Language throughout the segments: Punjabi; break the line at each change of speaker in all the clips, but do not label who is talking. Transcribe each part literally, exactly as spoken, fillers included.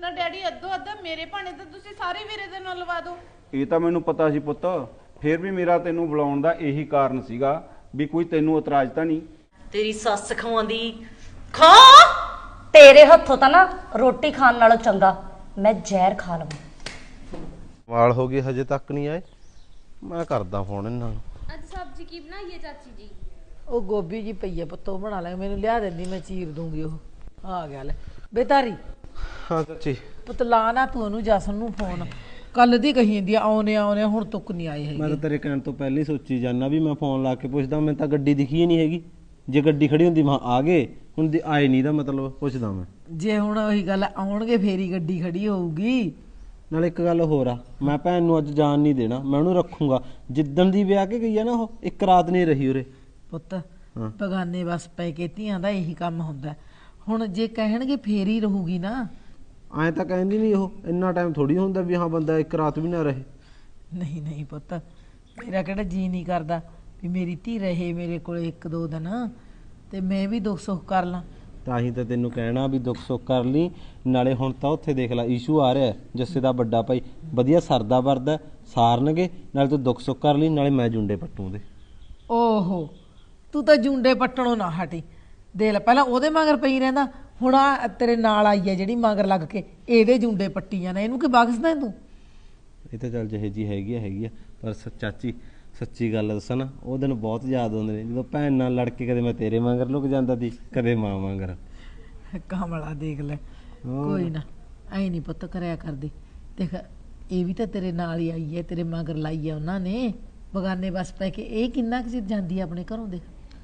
ਤਾਂ ਡੈਡੀ ਅੱਧੋ ਅੱਧਾ ਮੇਰੇ ਭਾਣੇ ਤਾਂ ਤੁਸੀਂ ਸਾਰੇ ਵੀਰੇ ਦੇ ਨਾਲ ਲਵਾ ਦਿਓ।
ਇਹ ਤਾਂ ਮੈਨੂੰ ਪਤਾ ਸੀ ਪੁੱਤ, ਫਿਰ ਵੀ ਮੇਰਾ ਤੈਨੂੰ ਬੁਲਾਉਣ ਦਾ ਇਹੀ ਕਾਰਨ ਸੀਗਾ ਵੀ ਕੋਈ ਤੈਨੂੰ ਇਤਰਾਜ਼ ਤਾਂ ਨਹੀਂ।
ਤੇਰੀ ਸੱਸ ਖਵਾਉਂਦੀ ਖਾ।
ਤੇਰੇ ਹੱਥੋਂ ਤਾਂ ਨਾ ਰੋਟੀ ਖਾਣ ਨਾਲੋਂ ਚੰਗਾ ਮੈਂ ਜ਼ਹਿਰ ਖਾ ਲਵਾਂ।
ਵਾਲ ਹੋ ਗਏ ਹਜੇ ਤੱਕ ਨਹੀਂ ਆਏ, ਮੈਂ ਕਰਦਾ ਫੋਨ ਇਹਨਾਂ ਨੂੰ।
ਅੱਜ ਸਬਜ਼ੀ ਕੀ ਬਣਾਈਏ ਚਾਚੀ ਜੀ?
ਉਹ ਗੋਭੀ ਜੀ ਪਈ ਹੈ ਪੁੱਤੋ, ਬਣਾ ਲੈ, ਮੈਨੂੰ ਲਿਆ ਦਿੰਦੀ, ਮੈਂ ਚੀਰ ਦੂੰਗੀ। ਉਹ ਆ ਗਿਆ ਲੈ ਬੇਤਾਰੀ।
ਹਾਂ ਚਾਚੀ।
ਪੁੱਤ ਲਾ ਨਾ ਤੂੰ ਉਹਨੂੰ ਜਸਨ ਨੂੰ ਫੋਨ, ਕੱਲ ਦੀ ਕਹੀ ਜਾਂਦੀ ਆ ਆਉਨੇ ਆਉਨੇ, ਹੁਣ ਤੱਕ ਨਹੀਂ ਆਏ
ਮੈਂ
ਹੈਗੇ।
ਤਾਂ ਤੇਰੇ ਕਹਿਣ ਤੋਂ ਪਹਿਲਾਂ ਹੀ ਸੋਚੀ ਜਾਂਦਾ ਵੀ ਮੈਂ ਫੋਨ ਲਾ ਕੇ ਪੁੱਛਦਾ, ਮੈਨੂੰ ਤਾਂ ਗੱਡੀ ਦਿਖੀ ਹੀ ਨਹੀਂ ਹੈਗੀ। ਜੇ ਗੱਡੀ ਖੜੀ ਹੁੰਦੀ ਮੈਂ ਆ ਗਏ, ਹੁਣ ਦੀ ਆਏ ਨਹੀਂ ਦਾ ਮਤਲਬ ਪੁੱਛਦਾ ਮੈਂ।
ਜੇ ਹੁਣ ਉਹੀ ਗੱਲ ਆਉਣਗੇ ਫੇਰੀ ਗੱਡੀ ਖੜੀ ਹੋਊਗੀ।
ਨਾਲ ਇੱਕ ਗੱਲ ਹੋਰ ਆ, ਮੈਂ ਭੈਣ ਨੂੰ ਅੱਜ ਜਾਣ ਨਹੀਂ ਦੇਣਾ, ਮੈਂ ਉਹਨੂੰ ਰੱਖੂੰਗਾ। ਜਿੱਦਣ ਦੀ ਵਿਆਹ ਕੇ ਗਈ ਆ ਨਾ, ਉਹ ਇੱਕ ਰਾਤ ਨਹੀਂ ਰਹੀ ਉਰੇ।
ਪੁੱਤ ਬਗਾਨੇ ਬਸ ਪੈ ਕੇ ਧੀਆਂ ਦਾ ਇਹੀ ਕੰਮ ਹੁੰਦਾ। ਹੁਣ ਜੇ ਕਹਿਣਗੇ ਫੇਰ ਹੀ ਰਹੂਗੀ ਨਾ।
ਐਂ ਤਾਂ ਕਹਿੰਦੀ ਨਹੀਂ, ਉਹ ਇੰਨਾ ਟਾਈਮ ਥੋੜੀ ਹੁੰਦਾ ਵੀ ਹਾਂ ਬੰਦਾ ਇੱਕ ਰਾਤ ਵੀ ਨਾ ਰਹੇ।
ਨਹੀਂ ਨਹੀਂ ਪੁੱਤ, ਮੇਰਾ ਕਿਹੜਾ ਜੀ ਨਹੀਂ ਕਰਦਾ ਵੀ ਮੇਰੀ ਧੀ ਰਹੇ ਮੇਰੇ ਕੋਲ ਇੱਕ ਦੋ ਦਿਨ, ਤੇ ਮੈਂ ਵੀ ਦੁੱਖ ਸੁੱਖ ਕਰ ਲਾਂ।
ਤਾਂ ਹੀ ਤਾਂ ਤੈਨੂੰ ਕਹਿਣਾ ਵੀ ਦੁੱਖ ਸੁੱਖ ਕਰ ਲਈ। ਨਾਲੇ ਹੁਣ ਤਾਂ ਉੱਥੇ ਦੇਖ ਲੈ ਇਸ਼ੂ ਆ ਰਿਹਾ, ਜੱਸੇ ਦਾ ਵੱਡਾ ਭਾਈ ਵਧੀਆ ਸਰਦਾ ਵਰਦਾ ਸਾਰਨਗੇ। ਨਾਲੇ ਤੂੰ ਦੁੱਖ ਸੁੱਖ ਕਰ ਲਈ, ਨਾਲੇ ਮੈਂ ਜੁੰਡੇ ਪੱਟੂ ਦੇ।
ਓਹੋ ਤੂੰ ਤਾਂ ਜੁੰਡੇ ਪੱਟਣੋਂ ਨਾ ਹਟੀ। ਦੇ ਲੈ, ਪਹਿਲਾਂ ਉਹਦੇ ਮਗਰ ਪਈ ਰਹਿੰਦਾ, ਹੁਣ ਆ ਤੇਰੇ ਨਾਲ ਆਈ ਹੈ ਜਿਹੜੀ ਮਗਰ ਲੱਗ ਕੇ ਇਹਦੇ ਜੁੰਡੇ ਪੱਟੀ ਜਾਣਾ। ਇਹਨੂੰ ਕੀ ਬਖਸ਼ਦਾ ਤੂੰ?
ਇਹ ਤਾਂ ਚੱਲ ਜਿਹੇ ਜੀ ਹੈਗੀ ਆ ਹੈਗੀ ਆ, ਪਰ ਸ- ਚਾਚੀ ਸੱਚੀ ਗੱਲ ਦੱਸਾਂ ਨਾ, ਉਹ ਦਿਨ ਬਹੁਤ ਯਾਦ ਆਉਂਦੇ ਨੇ ਜਦੋਂ ਭੈਣ ਨਾਲ ਲੜ ਕੇ ਕਦੇ ਮੈਂ ਤੇਰੇ ਮਗਰ ਲੁਕ ਜਾਂਦਾ ਸੀ, ਕਦੇ ਮਾਂ ਮਗਰ।
ਕਮਲਾ ਦੇਖ ਲੈ। ਕੋਈ ਨਾ ਐ ਨਹੀਂ ਪੁੱਤ ਕਰਿਆ ਕਰਦੀ। ਦੇਖ ਇਹ ਵੀ ਤਾਂ ਤੇਰੇ ਨਾਲ ਹੀ ਆਈ ਹੈ, ਤੇਰੇ ਮਗਰ ਲਾਈ ਹੈ ਉਹਨਾਂ ਨੇ ਬਗਾਨੇ ਬਸ ਪੈ ਕੇ। ਇਹ ਕਿੰਨਾ ਕੁ ਚਿਰ ਜਾਂਦੀ ਹੈ ਆਪਣੇ ਘਰੋਂ? ਦੇਖ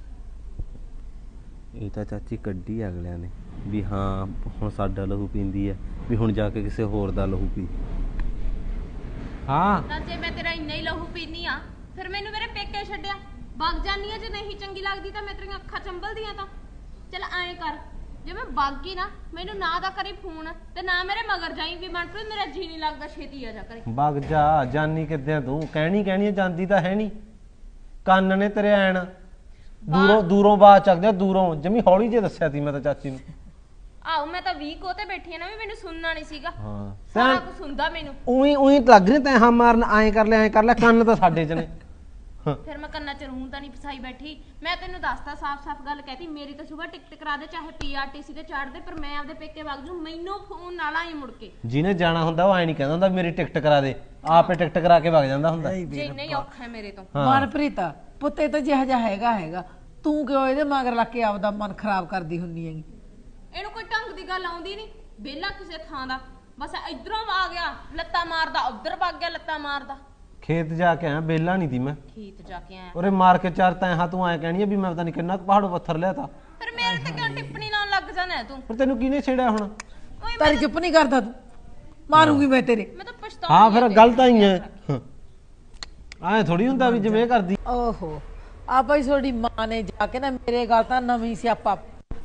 ਇਹ ਤਾਂ ਚਾਚੀ ਕੱਢੀ ਅਗਲਿਆਂ ਨੇ ਵੀ ਹਾਂ ਹੁਣ ਸਾਡਾ ਲਹੂ ਪੀਂਦੀ ਹੈ, ਵੀ ਹੁਣ ਜਾ ਕੇ ਕਿਸੇ ਹੋਰ ਦਾ ਲਹੂ ਪੀ। ਹਾਂ
ਤਾਂ ਜੇ ਮੈਂ ਤੇਰਾ ਇੰਨਾ ਹੀ ਲਹੂ ਪੀਨੀ ਆ, ਫਿਰ ਮੈਨੂੰ ਮੇਰੇ ਪੇਕੇ ਛੱਡਿਆ ਵਗ ਜਾਨੀ ਆ। ਜੇ ਨਹੀਂ ਚੰਗੀ ਲੱਗਦੀ ਤਾਂ ਮੈਂ ਤੇਰੀਆਂ ਅੱਖਾਂ ਚੰਬਲਦੀਆਂ ਤਾਂ ਚੱਲ ਐਂ ਕਰ, ਜੇ ਮੈਂ ਵਗ ਗਈ ਨਾ ਮੈਨੂੰ ਨਾ ਦਾ ਕਰੀ ਫੋਨ, ਤੇ ਨਾ ਮੇਰੇ ਮਗਰ ਜਾਈ ਵੀ ਮਨਪ੍ਰੀਤ ਮੇਰਾ ਜੀ ਨਹੀਂ ਲੱਗਦਾ, ਛੇਤੀ ਆ ਜਾ ਕਰੇ।
ਵਗ ਜਾ, ਜਾਨੀ ਕਿੱਦਾਂ ਤੂੰ? ਕਹਿਣੀ ਕਹਿਣੀ ਜਾਂਦੀ ਤਾਂ ਹੈ ਨਹੀਂ। ਕੰਨ ਨੇ ਤੇਰੇ ਐਣ ਦੂਰੋਂ ਦੂਰੋਂ ਬਾਤ ਚੱਕਦੇ, ਦੂਰੋਂ ਜਮੀ ਹੌਲੀ ਜੇ ਦੱਸਿਆ ਸੀ ਮੈਂ ਤਾਂ ਚਾਚੀ ਨੂੰ।
ਆਹੋ ਮੈਂ ਤਾਂ ਵੀਕ ਉਹ ਤੇ ਬੈਠੀ ਆ ਨਾ, ਵੀ ਮੈਨੂੰ ਸੁਣਨਾ ਨਹੀਂ ਸੀਗਾ।
ਹਾਂ
ਸਾਰਾ ਕੁਝ ਸੁਣਦਾ ਮੈਨੂੰ।
ਉਹੀ ਉਹੀ ਲੱਗ ਰਿਹਾ ਤੈਂ ਹਾਂ ਮਾਰਨ, ਐਂ ਕਰ ਲੈ ਐਂ ਕਰ ਲੈ, ਕੰਨ ਤਾਂ ਸਾਡੇ ਚ ਨੇ।
ਫਿਰ ਮੈਂ ਕੰਨਾਂ ਚ ਰੂੰ ਤਾਂ ਨਹੀਂ ਫਸਾਈ ਬੈਠੀ। ਮੈਂ ਤੈਨੂੰ ਦੱਸਤਾ ਸਾਫ਼-ਸਾਫ਼ ਗੱਲ ਕਹਿਤੀ, ਮੇਰੀ ਤਾਂ ਸੁਬਾਹ ਟਿਕਟ ਕਰਾ ਦੇ, ਚਾਹੇ ਪੀਆਰਟੀਸੀ ਤੇ ਚੜ੍ਹ ਦੇ, ਪਰ ਮੈਂ ਆਪਦੇ ਪੇਕੇ ਵਗ ਜੂ। ਮੈਨੂੰ ਫੋਨ ਨਾਲ ਆਈ ਮੁੜ ਕੇ।
ਜਿਹਨੇ ਜਾਣਾ ਹੁੰਦਾ ਉਹ ਐਂ ਨਹੀਂ ਕਹਿੰਦਾ ਹੁੰਦਾ ਮੇਰੀ ਟਿਕਟ ਕਰਾ ਦੇ, ਆਪੇ ਟਿਕਟ ਕਰਾ ਕੇ ਵਗ ਜਾਂਦਾ ਹੁੰਦਾ।
ਜੇ ਨਹੀਂ ਔਖਾ ਹੈ ਮੇਰੇ ਤੋਂ।
ਮਨਪ੍ਰੀਤ ਪੁੱਤੇ ਤਾਂ ਜਿਹਾ ਜਿਹਾ ਹੈਗਾ ਹੈਗਾ, ਤੂੰ ਕਿਉਂ ਇਹਦੇ ਮਗਰ ਲੱਗ ਕੇ ਆਪਦਾ ਮਨ ਖਰਾਬ ਕਰਦੀ ਹੁੰਨੀ ਹੈਗੀ?
ਇਹਨੂੰ ਕੋਈ ਢੰਗ ਦੀ ਗੱਲ ਆਉਂਦੀ ਨਹੀਂ, ਵਿਹਲਾ ਕਿਸੇ ਥਾਂ ਦਾ। ਬਸ ਇਧਰੋਂ ਆ ਗਿਆ ਲੱਤਾਂ ਮਾਰਦਾ, ਉਧਰ ਵਗ ਗਿਆ ਲੱਤਾਂ ਮਾਰਦਾ।
ਖੇਤ ਜਾ ਕੇ ਆਇਆ, ਬੇਲਾ ਨਹੀਂ ਤੀ ਮੈਂ।
ਖੇਤ ਜਾ ਕੇ ਆਇਆ
ਉਰੇ ਮਾਰ ਕੇ ਚਾਰ ਤਾਂ ਹਾਂ ਤੂੰ ਐਂ ਕਹਿਣੀ ਆ ਵੀ ਮੈਂ ਪਤਾ ਨਹੀਂ ਕਿੰਨਾ ਕੁ ਪਹਾੜੋਂ ਪੱਥਰ ਲਿਆ ਤਾ।
ਫਿਰ ਮੇਰੇ ਤੇ ਕਿਉਂ ਟਿੱਪਣੀ ਲਾਉਣ ਲੱਗ ਜਾਣਾ ਤੂੰ?
ਪਰ ਤੈਨੂੰ ਕਿਹਨੇ ਛੇੜਿਆ ਹੁਣ?
ਓਏ
ਤਾਰੀ ਚੁੱਪ ਨਹੀਂ ਕਰਦਾ ਤੂੰ? ਮਾਰੂੰਗੀ ਮੈਂ ਤੇਰੇ।
ਮੈਂ ਤਾਂ ਪਛਤਾਉਂਦੀ
ਹਾਂ ਫਿਰ
ਆ
ਗੱਲ ਤਾਂ ਹੀ ਹੈ, ਐਂ ਥੋੜੀ ਹੁੰਦਾ ਵੀ ਜਿਵੇਂ ਕਰਦੀ।
ਓਹੋ ਆ ਭਾਈ ਤੁਹਾਡੀ ਮਾਂ ਨੇ ਜਾ ਕੇ ਨਾ ਮੇਰੇ ਗੱਲ ਤਾਂ ਨਵੀਂ ਸਿਆਪਾ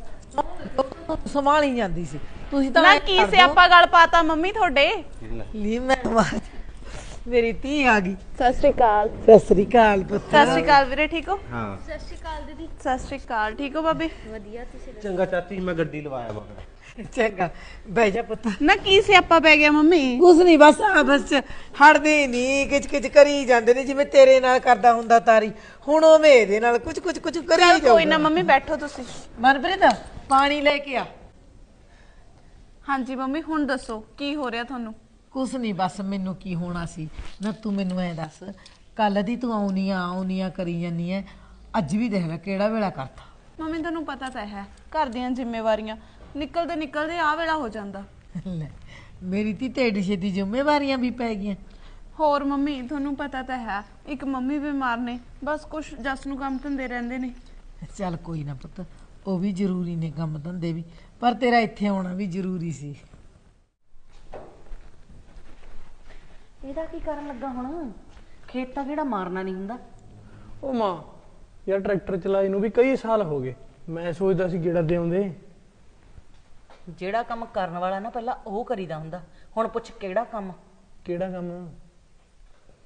ਸੰਭਾਲੀ ਜਾਂਦੀ ਸੀ। ਤੁਸੀਂ ਤਾਂ
ਨਾ ਕੀ ਸਿਆਪਾ ਗੱਲ ਪਾਤਾ ਮੰਮੀ ਤੁਹਾਡੇ?
ਲੀ ਮੈਂ ਆਵਾਜ਼, ਮੇਰੀ ਧੀ ਆ ਗਈ।
ਸਤਿ ਸ਼੍ਰੀ ਅਕਾਲ।
ਸਤਿ ਸ੍ਰੀ ਅਕਾਲ ਪੁੱਤ।
ਸਤਿ ਸ਼੍ਰੀ ਅਕਾਲ ਵੀਰੇ, ਠੀਕ ਹੋ?
ਹਾਂ
ਸਤਿ ਸ਼੍ਰੀ ਅਕਾਲ ਦੀਦੀ।
ਸਤਿ ਸ਼੍ਰੀ ਅਕਾਲ, ਠੀਕ ਹੋ ਭਾਬੀ?
ਵਧੀਆ, ਤੁਸੀਂ ਦੱਸੋ?
ਚੰਗਾ ਚਾਚੀ ਮੈਂ ਗੱਡੀ ਲਵਾਇਆ ਮਗਰ।
ਚੰਗਾ ਬਹਿ ਜਾ ਪੁੱਤ।
ਨਾ ਕੀ ਸਿਆਪਾ ਪੈ ਗਿਆ ਮੰਮੀ?
ਕੁਛ ਨਹੀਂ, ਬਸ ਆਪਸ ਚ ਹਟਦੇ ਨਹੀਂ, ਕਿਚ ਕਿਚ ਕਰੀ ਜਾਂਦੇ ਨੇ ਜਿਵੇਂ ਤੇਰੇ ਨਾਲ ਕਰਦਾ ਹੁੰਦਾ ਤਾਰੀ, ਹੁਣ ਉਹ ਇਹਦੇ ਨਾਲ ਕੁਝ ਕੁਝ ਕੁਝ ਕਰੀ
ਚਲ
ਜਾਊਗਾ।
ਕੋਈ ਨਾ ਮੰਮੀ, ਬੈਠੋ ਤੁਸੀਂ।
ਮਨਪ੍ਰੀਤ ਪਾਣੀ ਲੈ ਕੇ ਆ।
ਹਾਂਜੀ ਮੰਮੀ, ਹੁਣ ਦੱਸੋ ਕੀ ਹੋ ਰਿਹਾ ਤੁਹਾਨੂੰ?
ਕੁਛ ਨਹੀਂ, ਬਸ ਮੈਨੂੰ ਕੀ ਹੋਣਾ ਸੀ ਨਾ, ਤੂੰ ਮੈਨੂੰ ਐ ਦੱਸ, ਕੱਲ ਦੀ ਤੂੰ ਆਉਣੀਆਂ ਆਉਣੀਆਂ ਕਰੀ ਜਾਨੀ ਐ, ਅੱਜ ਵੀ ਦੇਖ ਲੈ ਕਿਹੜਾ ਵੇਲਾ ਕਰਤਾ।
ਮੰਮੀ ਤੁਹਾਨੂੰ ਪਤਾ ਤਾਂ ਹੈ ਘਰ ਦੀਆਂ ਜ਼ਿੰਮੇਵਾਰੀਆਂ ਨਿਕਲਦੇ ਨਿਕਲਦੇ ਆ ਵੇਲਾ ਹੋ ਜਾਂਦਾ।
ਲੈ ਮੇਰੀ ਧੀ ਤੇ ਏਡੀ ਛੇਤੀ ਜ਼ਿੰਮੇਵਾਰੀਆਂ ਵੀ ਪੈ ਗਈਆਂ।
ਹੋਰ ਮੰਮੀ ਤੁਹਾਨੂੰ ਪਤਾ ਤਾਂ ਹੈ ਇੱਕ ਮੰਮੀ ਬਿਮਾਰ ਨੇ, ਬਸ ਕੁਛ ਜਸ ਨੂੰ ਕੰਮ ਧੰਦੇ ਰਹਿੰਦੇ ਨੇ।
ਚੱਲ ਕੋਈ ਨਾ ਪੁੱਤ, ਉਹ ਵੀ ਜ਼ਰੂਰੀ ਨੇ ਕੰਮ ਧੰਦੇ ਵੀ, ਪਰ ਤੇਰਾ ਇੱਥੇ ਆਉਣਾ ਵੀ ਜ਼ਰੂਰੀ ਸੀ।
ਇਹਦਾ ਕੀ ਕਰਨ ਲੱਗਾ ਹੁਣ? ਖੇਤ ਤਾਂ ਕਿਹੜਾ ਮਾਰਨਾ ਨਹੀਂ ਹੁੰਦਾ।
ਉਹ ਮਾਂ ਯਾਰ ਟਰੈਕਟਰ ਚਲਾਏ ਨੂੰ ਵੀ ਕਈ ਸਾਲ ਹੋ ਗਏ, ਮੈਂ ਸੋਚਦਾ ਸੀ ਗੇੜਾ ਦੇ ਆਉਂਦੇ।
ਜਿਹੜਾ ਕੰਮ ਕਰਨ ਵਾਲਾ ਨਾ ਪਹਿਲਾਂ ਉਹ ਕਰੀਦਾ ਹੁੰਦਾ, ਹੁਣ ਪੁੱਛ ਕਿਹੜਾ ਕੰਮ?
ਕਿਹੜਾ ਕੰਮ?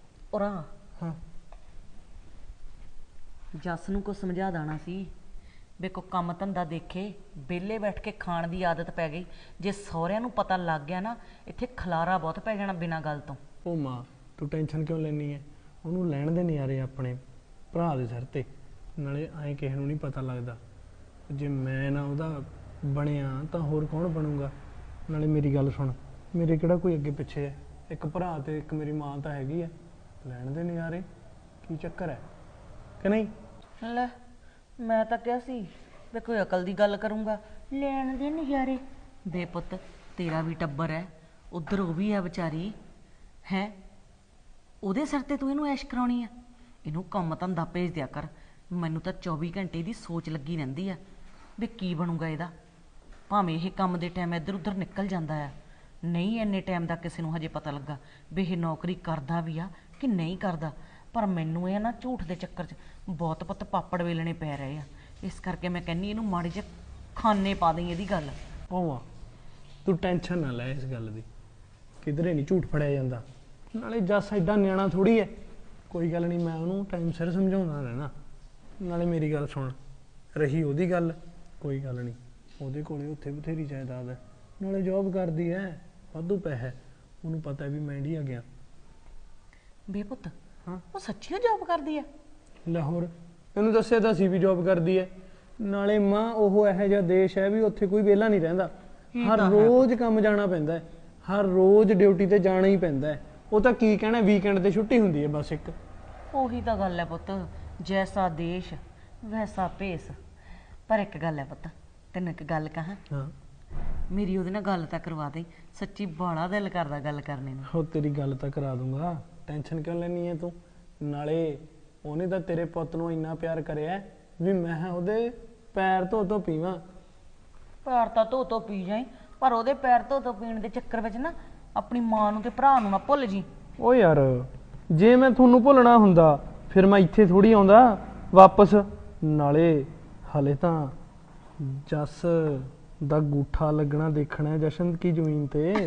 ਉਰਾ
ਹਾਂ
ਜੱਸ ਨੂੰ ਕੁਝ ਸਮਝਾ ਦੇਣਾ ਸੀ ਵੇ ਕੋ ਕੰਮ ਧੰਦਾ ਦੇਖੇ, ਵਿਹਲੇ ਬੈਠ ਕੇ ਖਾਣ ਦੀ ਆਦਤ ਪੈ ਗਈ। ਜੇ ਸਹੁਰਿਆਂ ਨੂੰ ਪਤਾ ਲੱਗ ਗਿਆ ਨਾ, ਇੱਥੇ ਖਲਾਰਾ ਬਹੁਤ ਪੈ ਜਾਣਾ ਬਿਨਾਂ ਗੱਲ ਤੋਂ।
ਉਹ ਮਾਂ ਤੂੰ ਟੈਨਸ਼ਨ ਕਿਉਂ ਲੈਣੀ ਹੈ? ਉਹਨੂੰ ਲੈਣ ਦੇ ਨਜ਼ਾਰੇ ਆਪਣੇ ਭਰਾ ਦੇ ਸਿਰ ਤੇ। ਨਾਲੇ ਐਂ ਕਿਸੇ ਨੂੰ ਨਹੀਂ ਪਤਾ ਲੱਗਦਾ। ਜੇ ਮੈਂ ਨਾ ਉਹਦਾ ਬਣਿਆ ਤਾਂ ਹੋਰ ਕੌਣ ਬਣੂਗਾ? ਨਾਲੇ ਮੇਰੀ ਗੱਲ ਸੁਣ, ਮੇਰੇ ਕਿਹੜਾ ਕੋਈ ਅੱਗੇ ਪਿੱਛੇ ਹੈ? ਇੱਕ ਭਰਾ ਤੇ ਇੱਕ ਮੇਰੀ ਮਾਂ ਤਾਂ ਹੈਗੀ ਹੈ। ਲੈਣ ਦੇ ਨਜ਼ਾਰੇ ਕੀ ਚੱਕਰ ਹੈ ਕਿ ਨਹੀਂ?
ਲੈ ਮੈਂ ਤਾਂ ਕਿਹਾ ਸੀ ਵੇ ਕੋਈ ਅਕਲ ਦੀ ਗੱਲ ਕਰੂੰਗਾ, ਲੈਣ ਦੇ ਨਜ਼ਾਰੇ। ਬੇਪੁੱਤ ਤੇਰਾ ਵੀ ਟੱਬਰ ਹੈ, ਉਧਰ ਉਹ ਵੀ ਹੈ ਵਿਚਾਰੀ ਹੈ, ਉਹਦੇ ਸਿਰ ਤੇ ਤੂੰ ਇਹਨੂੰ ਐਸ਼ ਕਰਾਉਣੀ ਆ? ਇਹਨੂੰ ਕੰਮ ਧੰਦਾ ਭੇਜ ਦਿਆ ਕਰ। ਮੈਨੂੰ ਤਾਂ ਚੌਵੀ ਘੰਟੇ ਦੀ ਸੋਚ ਲੱਗੀ ਰਹਿੰਦੀ ਆ ਵੀ ਕੀ ਬਣੂਗਾ ਇਹਦਾ। ਭਾਵੇਂ ਇਹ ਕੰਮ ਦੇ ਟਾਈਮ ਇੱਧਰ ਉੱਧਰ ਨਿਕਲ ਜਾਂਦਾ ਆ, ਨਹੀਂ ਇੰਨੇ ਟਾਈਮ ਦਾ ਕਿਸੇ ਨੂੰ ਹਜੇ ਪਤਾ ਲੱਗਾ ਵੀ ਇਹ ਨੌਕਰੀ ਕਰਦਾ ਵੀ ਆ ਕਿ ਨਹੀਂ ਕਰਦਾ। ਪਰ ਮੈਨੂੰ ਇਹ ਨਾ ਝੂਠ ਦੇ ਚੱਕਰ 'ਚ ਬਹੁਤ ਪੁੱਤ ਪਾਪੜ ਵੇਲਣੇ ਪੈ ਰਹੇ ਆ। ਇਸ ਕਰਕੇ ਮੈਂ ਕਹਿੰਨੀ ਇਹਨੂੰ ਮਾੜੀ ਜਿਹੀ ਖਾਨੇ ਪਾ ਦੇਂ ਇਹਦੀ ਗੱਲ।
ਭਾਵਾਂ ਤੂੰ ਟੈਨਸ਼ਨ ਨਾ ਲੈ ਇਸ ਗੱਲ ਦੀ, ਕਿਧਰੇ ਨਹੀਂ ਝੂਠ ਫੜਿਆ ਜਾਂਦਾ। ਨਾਲੇ ਜੱਸ ਐਡਾ ਨਿਆਣਾ ਥੋੜੀ ਹੈ। ਕੋਈ ਗੱਲ ਨਹੀਂ, ਮੈਂ ਉਹਨੂੰ ਟਾਈਮ ਸਿਰ ਸਮਝਾਉਂਦਾ ਰਹਿਣਾ। ਨਾਲੇ ਮੇਰੀ ਗੱਲ ਸੁਣ, ਰਹੀ ਉਹਦੀ ਗੱਲ, ਕੋਈ ਗੱਲ ਨਹੀਂ, ਉਹਦੇ ਕੋਲੇ ਉੱਥੇ ਬਥੇਰੀ ਜਾਇਦਾਦ ਹੈ, ਨਾਲੇ ਜੌਬ ਕਰਦੀ ਹੈ, ਵਾਧੂ ਪੈਸਾ। ਉਹਨੂੰ ਪਤਾ ਵੀ ਮੈਂ ਇੰਡੀਆ ਗਿਆ।
ਬੇਪੁੱਤ
ਹਾਂ
ਉਹ ਸੱਚੀ ਜੌਬ ਕਰਦੀ ਆ?
ਲਾਹੌਰ ਇਹਨੂੰ ਦੱਸਿਆ ਤਾਂ ਸੀ ਵੀ ਜੌਬ ਕਰਦੀ ਹੈ। ਨਾਲੇ ਮਾਂ ਉਹ ਇਹੋ ਜਿਹਾ ਦੇਸ਼ ਹੈ ਵੀ ਉੱਥੇ ਕੋਈ ਵਿਹਲਾ ਨਹੀਂ ਰਹਿੰਦਾ। ਹਰ ਰੋਜ਼ ਕੰਮ ਜਾਣਾ ਪੈਂਦਾ ਹੈ, ਹਰ ਰੋਜ਼ ਡਿਊਟੀ ਤੇ ਜਾਣਾ ਹੀ ਪੈਂਦਾ ਹੈ। ਉਹ ਤਾਂ ਕੀ ਕਹਿਣਾ, ਵੀਕਐਂਡ ਤੇ ਛੁੱਟੀ ਹੁੰਦੀ ਹੈ ਬਸ ਇੱਕ।
ਉਹੀ ਤਾਂ ਗੱਲ ਹੈ ਪੁੱਤ, ਜੈਸਾ ਦੇਸ਼ ਵੈਸਾ ਭੇਸ। ਪਰ ਇੱਕ ਗੱਲ ਹੈ ਪੁੱਤ, ਤੈਨੂੰ ਇੱਕ ਗੱਲ ਕਹਾਂ,
ਹਾਂ
ਮੇਰੀ ਉਹਦੇ ਨਾਲ ਗੱਲ ਤਾਂ ਕਰਵਾ ਦੇ। ਸੱਚੀ ਬਾਲਾ ਦਿਲ ਕਰਦਾ ਗੱਲ ਕਰਨੇ ਨੂੰ।
ਉਹ ਤੇਰੀ ਗੱਲ ਤਾਂ ਕਰਾ ਦੂੰਗਾ, ਟੈਨਸ਼ਨ ਕਿਉਂ ਲੈਣੀ ਹੈ ਤੂੰ? ਨਾਲੇ ਉਹਨੇ ਤਾਂ ਤੇਰੇ ਪੁੱਤ ਨੂੰ ਇੰਨਾ ਪਿਆਰ ਕਰਿਆ ਵੀ ਮੈਂ ਉਹਦੇ ਪੈਰ ਧੋ ਧੋ ਪੀਵਾਂ।
ਪੈਰ ਤਾਂ ਧੋ ਧੋ ਪੀ ਜਾਈ, ਪਰ ਉਹਦੇ ਪੈਰ ਧੋ ਧੋ ਪੀਣ ਦੇ ਚੱਕਰ ਵਿੱਚ ਨਾ ਆਪਣੀ ਮਾਂ ਨੂੰ ਤੇ ਭਰਾ ਨੂੰ ਨਾ ਭੁੱਲ ਜੀ।
ਓ ਯਾਰ ਜੇ ਮੈਂ ਤੁਹਾਨੂੰ ਭੁੱਲਣਾ ਹੁੰਦਾ ਫਿਰ ਮੈਂ ਇੱਥੇ ਥੋੜੀ ਆਉਂਦਾ ਵਾਪਸ। ਨਾਲੇ ਹਲੇ ਤਾਂ ਜੱਸ ਦਾ ਗੂਠਾ ਲੱਗਣਾ ਦੇਖਣਾ ਜਸ਼ਨ ਕੀ ਜ਼ਮੀਨ ਤੇ।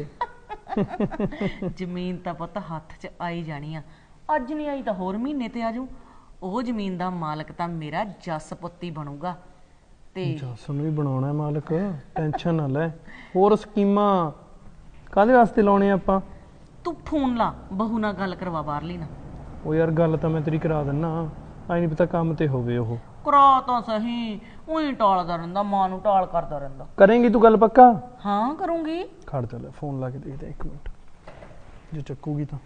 ਜ਼ਮੀਨ ਤਾਂ ਪੁੱਤ ਹੱਥ 'ਚ ਆਈ ਜਾਣੀ ਆ, ਅੱਜ ਨਹੀਂ ਆਈ ਤਾਂ ਹੋਰ ਮਹੀਨੇ ਤੇ ਆਜੂ। ਉਹ ਜ਼ਮੀਨ ਦਾ ਮਾਲਕ ਤਾਂ ਮੇਰਾ ਜੱਸ ਪੁੱਤ ਹੀ ਬਣੂਗਾ। ਤੇ
ਜੱਸ ਨੂੰ ਵੀ ਬਣਾਉਣਾ ਮਾਲਕ, ਟੈਨਸ਼ਨ ਨਾ ਲੈ। ਹੋਰ ਸਕੀਮਾਂ ਕਾਹਦੇ ਵਾਸਤੇ ਲਾਉਣੇ ਆਪਾਂ?
ਤੂੰ ਫੋਨ ਲਾ, ਬਹੂ ਨਾਲ ਗੱਲ ਕਰਵਾ ਬਾਹਰਲੀ ਨਾ।
ਉਹ ਯਾਰ ਗੱਲ ਤਾਂ ਮੈਂ ਤੇਰੀ ਕਰਾ ਦਿੰਨਾ, ਆਈ ਨਹੀਂ ਪਤਾ ਕੰਮ ਤੇ ਹੋਵੇ ਉਹ।
ਕਰਾ ਤਾਂ ਸਹੀ, ਉਹੀ ਟਾਲਦਾ ਰਹਿੰਦਾ, ਮਾਂ ਨੂੰ ਟਾਲ ਕਰਦਾ ਰਹਿੰਦਾ।
ਕਰੇਂਗੀ ਤੂੰ ਗੱਲ ਪੱਕਾ?
ਹਾਂ ਕਰੂੰਗੀ।
ਖੜ ਚੱਲ ਫੋਨ ਲਾ ਕੇ ਦੇਖਦੇ ਇੱਕ ਮਿੰਟ, ਜੇ ਚੱਕੂਗੀ ਤਾਂ।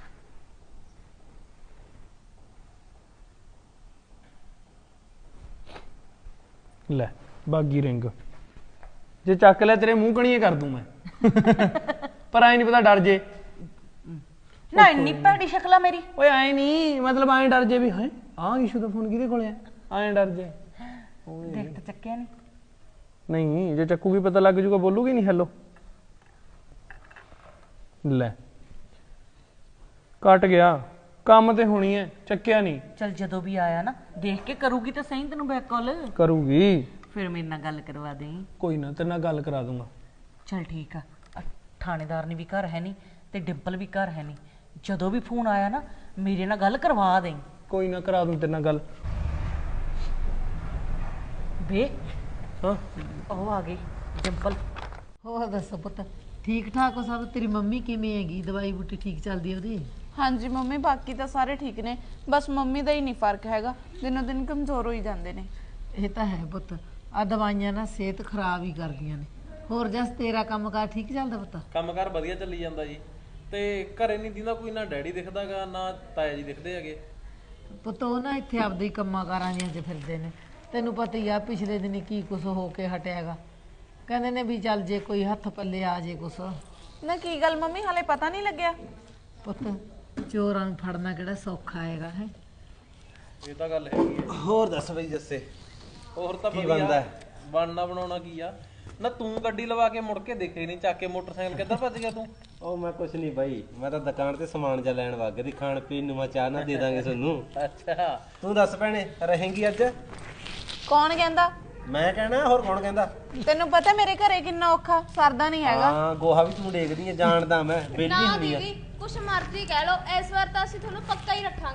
ਲੈ ਬਾਗੀ ਰਿੰਗ, ਜੇ ਚੱਕ ਲੈ ਤੇਰੇ ਮੂੰਹ ਕਣੀਏ ਕਰ ਦੂੰ ਮੈਂ। ਪਰ ਐ ਨਹੀਂ ਪਤਾ ਡਰ ਜੇ
ਨਾ, ਇੰਨੀ ਭੈੜੀ ਸ਼ਕਲ ਆ ਮੇਰੀ।
ਓਏ ਐ ਨਹੀਂ, ਮਤਲਬ ਐ ਡਰ ਜੇ ਵੀ ਹੈ ਆਹ ਇਸ਼ੂ ਦਾ ਫੋਨ ਕਿਹਦੇ ਕੋਲੇ ਆ, ਐ ਡਰ ਜੇ।
ਦੇਖ ਤਾਂ ਚੱਕਿਆ ਨਹੀਂ।
ਨਹੀਂ ਜੇ ਚੱਕੂਗੀ ਪਤਾ ਲੱਗ ਜੂਗਾ, ਬੋਲੂਗੀ ਨਹੀਂ ਹੈਲੋ। ਲੈ ਕੱਟ ਗਿਆ, ਕੰਮ ਤੇ ਹੋਣੀ ਐ, ਚੱਕਿਆ ਨਹੀਂ।
ਚਲ ਜਦੋਂ ਵੀ ਆਇਆ ਨਾ ਦੇਖ ਕੇ ਕਰੂਗੀ ਤਾਂ ਸਹੀ ਤੈਨੂੰ ਬੈਕ ਕਾਲ।
ਕਰੂਗੀ,
ਫਿਰ ਮੇਰੇ ਨਾਲ ਗੱਲ ਕਰਵਾ ਦੇ।
ਕੋਈ ਨਾ ਤੇਰੇ ਨਾਲ ਗੱਲ ਕਰਾ ਦੂੰਗਾ।
ਚਲ ਠੀਕ ਆ। ਅ, ਥਾਣੇਦਾਰ ਨੇ ਵੀ ਘਰ ਹੈ ਨਹੀਂ ਤੇ ਡਿੰਪਲ ਵੀ ਘਰ ਹੈ ਨਹੀਂ। ਜਦੋਂ ਵੀ ਫੋਨ ਆਇਆ ਨਾ ਮੇਰੇ ਨਾਲ ਗੱਲ ਕਰਵਾ ਦੇ।
ਕੋਈ ਨਾ ਕਰਾ ਦੂੰ ਤੇਰੇ ਨਾਲ ਗੱਲ।
ਵੇ
ਹਾਂ
ਉਹ ਆ ਗਈ ਡਿੰਪਲ।
ਹੋਰ ਦੱਸੋ ਪੁੱਤ, ਠੀਕ ਠਾਕ ਹੋ ਸਭ? ਤੇਰੀ ਮੰਮੀ ਕਿਵੇਂ ਹੈਗੀ? ਦਵਾਈ ਬੂਟੀ ਠੀਕ ਚੱਲਦੀ ਉਹਦੀ?
ਹਾਂਜੀ ਮੰਮੀ, ਬਾਕੀ ਤਾਂ ਸਾਰੇ ਠੀਕ ਨੇ, ਬਸ ਮੰਮੀ ਦਾ ਹੀ ਨਹੀਂ ਫਰਕ ਹੈਗਾ, ਦਿਨੋਂ ਦਿਨ ਕਮਜ਼ੋਰ ਹੋਈ ਜਾਂਦੇ ਨੇ।
ਇਹ ਤਾਂ ਹੈ ਪੁੱਤ, ਆ ਦਵਾਈਆਂ ਨਾ ਸਿਹਤ ਖਰਾਬ ਹੀ ਕਰਦੀਆਂ ਨੇ। ਹੋਰ ਜਸ ਤੇਰਾ ਕੰਮਕਾਰ ਠੀਕ ਚੱਲਦਾ ਪੁੱਤ?
ਕੰਮਕਾਰ ਵਧੀਆ ਚੱਲੀ ਜਾਂਦਾ ਜੀ। ਤੇ ਘਰੇ ਨਹੀਂ ਦਿੰਦਾ ਕੋਈ, ਨਾ ਡੈਡੀ ਦਿਖਦਾਗਾ ਨਾ ਤਾਇਆ ਜੀ ਦਿਖਦੇ ਹੈਗੇ।
ਪੁੱਤ ਉਹ ਨਾ ਇੱਥੇ ਆਪਦੇ ਹੀ ਕੰਮਾਂ ਕਾਰਾਂ ਦੀਆਂ 'ਚ ਫਿਰਦੇ ਨੇ। ਤੈਨੂੰ ਪਤਾ ਹੀ ਆ ਪਿਛਲੇ ਦਿਨ ਕੀ ਕੁਛ ਹੋ ਕੇ ਹਟਿਆਗਾ। ਕਹਿੰਦੇ ਨੇ ਵੀ ਚੱਲ ਜੇ ਕੋਈ ਹੱਥ ਪੱਲੇ ਆ ਜੇ ਕੁਛ।
ਨਾ ਕੀ ਗੱਲ ਮੰਮੀ, ਹਾਲੇ ਪਤਾ ਨਹੀਂ ਲੱਗਿਆ?
ਪੁੱਤ ਚੋਰਾਂ ਨੂੰ ਫੜਨਾ ਕਿਹੜਾ ਸੌਖਾ ਹੈਗਾ ਹੈ।
ਇਹ ਤਾਂ ਗੱਲ ਹੈਗੀ ਹੈ।
ਹੋਰ ਦੱਸ ਬਈ ਜੱਸੇ,
ਹੋਰ ਤਾਂ
ਕੀ
ਵਧੀਆ
ਬਣਦਾ?
ਬਣਨਾ ਬਣਾਉਣਾ ਕੀ ਆ ਨਾ। ਤੂੰ ਗੱਡੀ ਲਵਾ ਕੇ ਮੁੜ ਕੇ ਦੇਖੇ ਨਹੀਂ, ਚੱਕ ਕੇ ਮੋਟਰਸਾਈਕਲ ਕਿੱਧਰ ਭੱਜ ਗਿਆ ਤੂੰ?
ਉਹ ਮੈਂ ਕੁਛ ਨਹੀਂ ਬਾਈ, ਮੈਂ ਤਾਂ ਦੁਕਾਨ ਤੇ ਸਮਾਨ ਜਾ ਲੈਣ ਵਗ ਗਈ। ਖਾਣ ਪੀਣ ਨੂੰ ਮੈਂ ਚਾਹ ਨਾ ਦੇ ਦਾਂਗੇ ਤੁਹਾਨੂੰ।
ਅੱਛਾ
ਤੂੰ ਦੱਸ ਭੈਣੇ, ਰਹੇਂਗੀ ਅੱਜ?
ਕੌਣ ਕਹਿੰਦਾ?
ਮੈਂ ਕਹਿਣਾ, ਹੋਰ ਕੌਣ ਕਹਿੰਦਾ?
ਤੈਨੂੰ ਪਤਾ ਮੇਰੇ ਘਰੇ ਕਿੰਨਾ ਔਖਾ, ਸਰਦਾ ਨਹੀਂ ਹੈਗਾ।
ਹਾਂ ਗੋਹਾ ਵੀ ਤੂੰ ਡੇਗਦੀ ਹੈ, ਜਾਣਦਾ ਮੈਂ। ਬੇਲੀ
ਨਾ
ਹੁੰਦੀ ਆ।
ਦੀਦੀ ਕੁਛ ਮਰਜ਼ੀ ਕਹਿ ਲਓ, ਇਸ ਵਾਰ ਤਾਂ ਅਸੀਂ ਤੁਹਾਨੂੰ ਪੱਕਾ ਹੀ ਰੱਖਾਂਗੇ।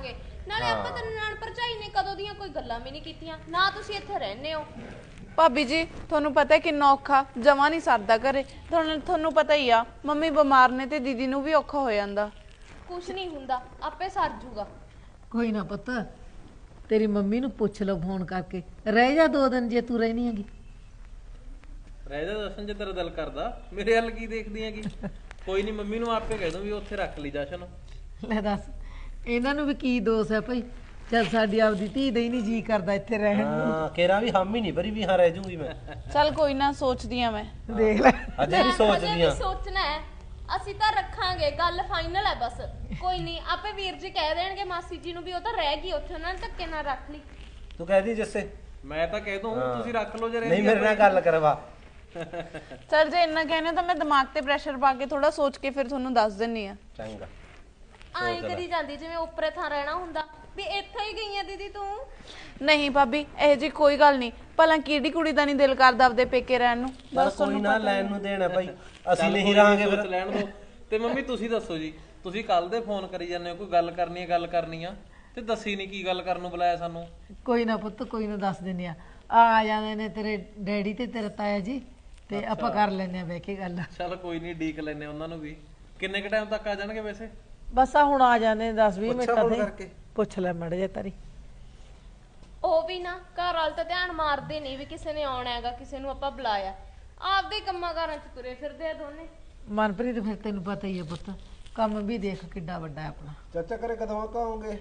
ਨਾਲੇ ਆਪਾਂ ਤਾਂ ਨਨਾਣ ਭਰਜਾਈ ਨੇ ਕਦੋਂ ਦੀਆਂ ਕੋਈ ਗੱਲਾਂ ਵੀ ਨਹੀਂ ਕੀਤੀਆਂ ਨਾ ਤੁਸੀਂ ਇੱਥੇ ਰਹਿੰਦੇ ਹੋ।
ਭਾਬੀ ਜੀ ਤੁਹਾਨੂੰ ਪਤਾ ਹੈ ਕਿੰਨਾ ਔਖਾ, ਜਮਾ ਨਹੀਂ ਸਰਦਾ ਘਰੇ। ਤੁਹਾਨੂੰ ਤੁਹਾਨੂੰ ਪਤਾ ਹੀ ਆ ਮੰਮੀ ਬਿਮਾਰ ਨੇ ਤੇ ਦੀਦੀ ਨੂੰ ਵੀ ਔਖਾ ਹੋ ਜਾਂਦਾ।
ਕੁਛ ਨਹੀਂ ਹੁੰਦਾ, ਆਪੇ ਸਰ ਜੂਗਾ।
ਕੋਈ ਨਾ ਪੁੱਤ, ਤੇਰੀ ਮੰਮੀ ਨੂੰ ਪੁੱਛ ਲਓ ਫੋਨ ਕਰਕੇ, ਰਹਿ ਜਾ ਦੋ ਦਿਨ ਜੇ ਤੂੰ ਰਹਿਣੀ ਹੈਗੀ।
ਰਹਿ ਜਾ ਜਸ਼ਨ ਜੇ ਤੇਰਾ ਦਿਲ ਕਰਦਾ, ਮੇਰੇ ਵੱਲ ਕੀ ਦੇਖਦੀ ਹੈਗੀ? ਕੋਈ ਨਹੀਂ, ਮੰਮੀ ਨੂੰ ਆਪੇ ਕਹਿ ਦੂੰ ਵੀ ਉੱਥੇ ਰੱਖ ਲਈ ਜਸ਼ਨ।
ਲੈ ਦੱਸ, ਇਹਨਾਂ ਨੂੰ ਵੀ ਕੀ ਦੋਸ਼ ਹੈ ਭਾਈ, ਜਦ ਸਾਡੀ ਆਪਦੀ ਧੀ ਦਾ ਹੀ ਨਹੀਂ ਜੀ ਕਰਦਾ ਇੱਥੇ ਰਹਿਣ ਨੂੰ।
ਹਾਂ ਕੇਰਾ ਵੀ ਹਮ ਹੀ ਨਹੀਂ ਭਰੀ ਵੀ ਹਾਂ ਰਹਿ ਜੂਗੀ ਮੈਂ।
ਚੱਲ ਕੋਈ ਨਾ, ਸੋਚਦੀ ਆ ਮੈਂ।
ਦੇਖ ਲੈ
ਅਜੇ ਵੀ ਸੋਚਦੀ
ਅਜੇ
ਆ।
ਵੀ ਸੋਚਣਾ ਹੈ, ਅਸੀਂ ਤਾਂ ਰੱਖਾਂਗੇ, ਗੱਲ ਫਾਈਨਲ ਹੈ ਬਸ। ਕੋਈ ਨਹੀਂ, ਆਪੇ ਵੀਰ ਜੀ ਕਹਿ ਦੇਣਗੇ ਮਾਸੀ ਜੀ ਨੂੰ ਵੀ ਉਹ ਤਾਂ ਰਹਿ ਗਈ ਉੱਥੇ, ਉਹਨਾਂ ਨੇ ਧੱਕੇ ਨਾਲ ਰੱਖ ਲਈ।
ਤੂੰ ਕਹਿ ਦੀ ਜੱਸੇ।
ਮੈਂ ਤਾਂ ਕਹਿ ਦੂੰ ਤੁਸੀਂ ਰੱਖ ਲਓ ਜੇ
ਨਹੀਂ
ਰਹਿੰਦੀ
ਮੇਰੇ ਨਾਲ ਗੱਲ ਕਰਵਾ।
ਚੱਲ ਜੇ ਇੰਨਾ ਕਹਿੰਦੇ ਹੋ ਤਾਂ ਮੈਂ ਦਿਮਾਗ ਤੇ ਪ੍ਰੈਸ਼ਰ ਪਾ ਕੇ ਥੋੜਾ ਸੋਚ ਕੇ ਫਿਰ ਤੁਹਾਨੂੰ ਦੱਸ ਦਿੰਨੀ ਆ।
ਚੰਗਾ।
ਆਏ ਕਰੀ ਜਾਂਦੀ ਜਿਵੇਂ ਉੱਪਰੇ ਥਾਂ ਰਹਿਣਾ ਹੁੰਦਾ ਵੀ ਇੱਥੇ ਹੀ ਗਈ ਆ ਦੀਦੀ ਤੂੰ।
ਨਹੀਂ ਭਾਬੀ, ਇਹ ਜੀ ਕੋਈ ਗੱਲ ਨਹੀਂ। ਭਲਾ ਕਿਹੜੀ ਕੁੜੀ ਦਾ ਨਹੀਂ ਦਿਲ ਕਰਦਾ ਆਪਦੇ ਪੇਕੇ ਰਹਿਣ ਨੂੰ।
ਬਸ ਕੋਈ ਨਾ, ਲੈਣ ਨੂੰ ਦੇਣਾ ਭਾਈ, ਅਸੀਂ ਨਹੀਂ ਰਹਾਂਗੇ ਫਿਰ।
ਲੈਣ ਦੋ। ਤੇ ਮੰਮੀ ਤੁਸੀਂ ਦੱਸੋ ਜੀ, ਤੁਸੀਂ ਕੱਲ ਦੇ ਫੋਨ ਕਰੀ ਜਾਂਦੇ ਹੋ, ਕੋਈ ਗੱਲ ਕਰਨੀ ਹੈ ਗੱਲ ਕਰਨੀ ਆ ਤੇ ਦੱਸੀ ਨਹੀਂ ਕੀ ਗੱਲ ਕਰਨ ਨੂੰ ਬੁਲਾਇਆ ਸਾਨੂੰ।
ਕੋਈ ਨਾ ਪੁੱਤ, ਕੋਈ ਨਾ ਦੱਸ ਦਿੰਦੇ ਆ। ਆ ਜਾਂਦੇ ਨੇ ਤੇਰੇ ਡੈਡੀ ਤੇ ਤੇਰਾ ਤਾਇਆ ਜੀ, ਤੇ ਆਪਾਂ ਕਰ ਲੈਨੇ ਆ ਬਹਿ ਕੇ ਗੱਲ।
ਚਲ ਕੋਈ ਨਹੀਂ, ਡੀਕ ਲੈਨੇ ਉਹਨਾਂ ਨੂੰ ਵੀ। ਕਿੰਨੇ ਕ ਟਾਈਮ ਤੱਕ ਆ ਜਾਣਗੇ ਵੈਸੇ?
ਬਸ ਆ ਹੁਣ ਆ ਜਾਂਦੇ ਦਸ ਵੀਹ
ਪੁੱਛਾਂ
ਮਿੰਟਾਂ
ਫੋਨ
ਤੇ।
ਕਰਕੇ?
ਪੁੱਛ ਲੈ ਮੜ ਜੇ ਤਾਰੀ।
ਉਹ ਵੀ ਨਾ ਘਰ ਵਾਲ ਤਾਂ ਧਿਆਨ ਮਾਰਦੇ ਨਹੀਂ ਵੀ ਕਿਸੇ ਨੇ ਆਉਣਾ ਹੈਗਾ, ਕਿਸੇ ਨੂੰ ਆਪਾਂ ਬੁਲਾਇਆ। ਆਪਦੇ ਕੰਮਾਂ ਕਾਰਾਂ 'ਚ ਤੁਰੇ ਫਿਰਦੇ ਆ ਦੋਨੇ।
ਮਨਪ੍ਰੀਤ ਫਿਰ ਤੈਨੂੰ ਪਤਾ ਹੀ ਹੈ ਪੁੱਤ, ਕੰਮ ਵੀ ਦੇਖ ਕਿੱਡਾ ਵੱਡਾ ਹੈ ਆਪਣਾ।
ਚਾਚਾ ਕਰੇ ਕਦੋਂ ਆਉਂਗੇ?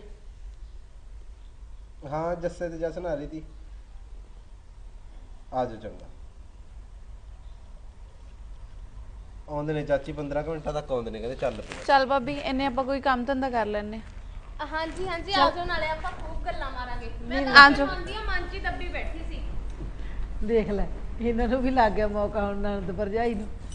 ਹਾਂ ਜੱਸੇ ਤੇ ਜਸਨ ਆ ਰਹੀ ਤੀ। ਆ ਜਾਓ ਚੰਗਾ। ਆਉਂਦੇ ਨੇ ਚਾਚੀ, ਪੰਦਰਾਂ ਕੁ ਮਿੰਟਾਂ ਤੱਕ ਆਉਂਦੇ ਨੇ, ਕਹਿੰਦੇ ਚੱਲ ਪਿਆ।
ਚੱਲ ਭਾਬੀ, ਇੰਨੇ ਆਪਾਂ ਕੋਈ ਕੰਮ ਧੰਦਾ ਕਰ ਲੈਨੇ।
ਹਾਂਜੀ ਹਾਂਜੀ ਆ ਜਾਓ, ਨਾਲੇ ਆਪਾਂ ਖੂਬ ਗੱਲਾਂ ਮਾਰਾਂਗੇ। ਮੈਂ
ਆ
ਤਾਂ
ਜਾਓ।
ਮੰਦੀ ਆ, ਮਨ 'ਚ ਹੀ ਦੱਬੀ ਬੈਠੀ ਸੀ।
ਦੇਖ ਲੈ, ਇਹਨਾਂ ਨੂੰ ਵੀ ਲੱਗ ਗਿਆ ਮੌਕਾ ਹੁਣ ਨਣਦ ਭਰਜਾਈ ਨੂੰ।